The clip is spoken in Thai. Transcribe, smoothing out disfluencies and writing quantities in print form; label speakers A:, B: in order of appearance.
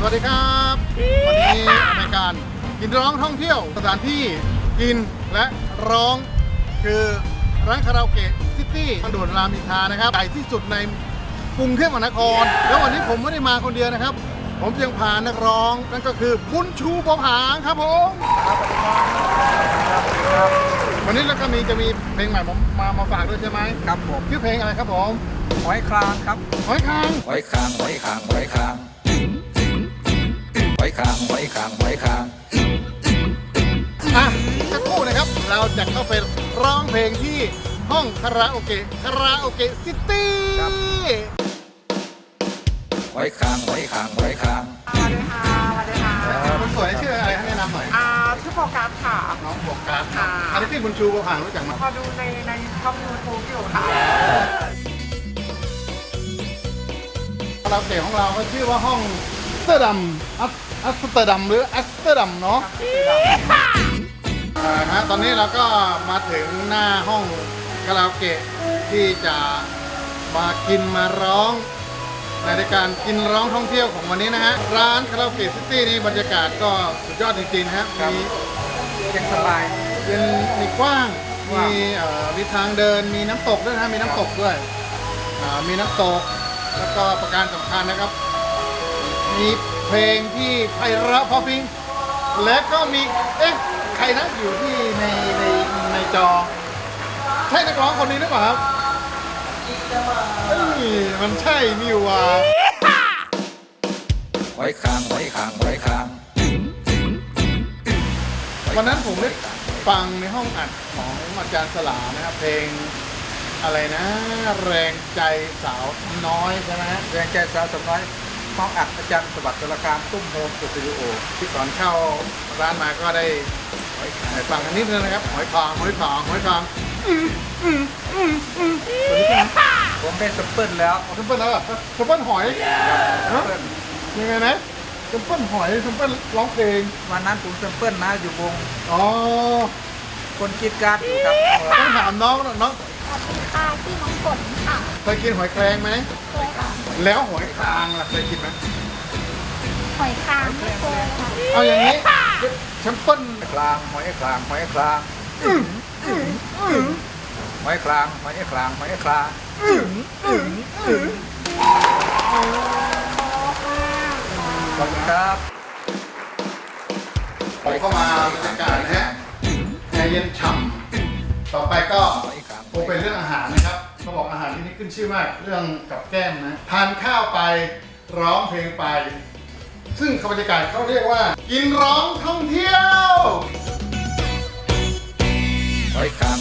A: วัสดีครับวันนี้รายการกินร้องท่องเที่ยวสถานที่กินและร้องคือร้านคาราโอเกะซิตี้ทางด่วนรามอินทรานะครับใหญ่ที่สุดในกรุงเทพมหานครแล้ววันนี้ผมไม่ได้มาคนเดียวนะครับผมยังพานักร้องนั่นก็คือบุญชูปอผางครับผมวันนี้แล้วก็จะมีเพลงใหม่ผมมาฝากด้วยใช่ไหมครับผมชื่อเพลงอะไรครับผม
B: หอยคลางครับ
A: หอยคาง
B: หอยคางหอยคางหอยคางหอยคางหอยคางหอยคาง
A: สักครู่นะครับเราจะเข้าไปร้องเพลงที่ห้องคาราโอเกะซิตี้
B: หอยคางหอยคางหอยคาง
C: สวัสดีค่ะสวัสดีค่ะ
A: คนสวยชื่ออะไรให้แนะนำหน่อย
C: ชื่อโฟกัสค่ะ
A: น้องโฟกัสค่ะอันนี้ที่บุญชูปอผางรู้จักไหม
C: พอดูในช่องยูทูบอยู่ค่ะ
A: คาราโอเกะของเราก็ชื่อว่าห้องอัสเตอร์ดัมอัสเตอร์ดัมหรืออัสเตอร์ดัมเนาะตอนนี้เราก็มาถึงหน้าห้องคาราโอเกะที่จะมากินมาร้องในรายการกินร้องท่องเที่ยวของวันนี้นะฮะร้านคาราโอเกะซิตี้นี่บรรยากาศก็สุดยอดจริงๆนะฮะมี
B: เย็นสบาย
A: มีกว้างมีทางเดินมีน้ำตกด้วยนะมีน้ำตกด้วยมีน้ำตกแล้วก็ประการสำคัญนะครับมีเพลงที่ไพเราะเพราะพริ้งและก็มีใครนะอยู่ที่ในจอใช่นักร้องคนนี้หรือเปล่าครับมันใช่นี่ว่า
B: หอยคางหอยคางหอยคาง
A: วันนั้นผมได้ฟังในห้องอัดของอาจารย์สลานะครับเพลงอะไรนะแรงใจสาวน้อยใช่ไหม
B: แรงใจสาวน้อยห้องอัดอาจารย์สวัสดิ์ตุลาการตุ้มโฮมสตูดิโอ
A: ที่ก่อนเข้าร้านมาก็ได้ฟังกันนิดนึงนะครับหอยคางตัวนี้
B: ผมได้สเปิลแล้ว
A: สเปิลแล้วสเปิลหอยยังไงนะสเปิลหอยสเปิลร้องเพลง
B: วันนั้นผมสเปิลนะอยู่วง
A: คน
B: กินการอยู่ครับ
A: ต้องถามน้อง
D: สวัสดีค่ะชื่อน้องฝนค่ะ
A: เคยกินหอยแครงไหม
D: เคยค่ะ
A: แล้วหอยคางล่ะเคยกินไหม
D: หอยคางไม่เคยค่ะ
A: เอาอย่างนี้แชมเปิ้ล
B: คลางหอยคลางหอยคลางหอยคลางหอยคลางหอยคลางขอบคุณครับ
A: ไปเข้ามาบรรยากาศนะฮะใจเย็นฉ่ำต่อไปก็คงเป็นเรื่องอาหารนะครับเขาบอกอาหารที่นี่ขึ้นชื่อมากเรื่องกับแก้มนะทานข้าวไปร้องเพลงไปซึ่งบรรยากาศเขาเรียกว่ากินร้องท่องเที่ยว
B: หอยคาง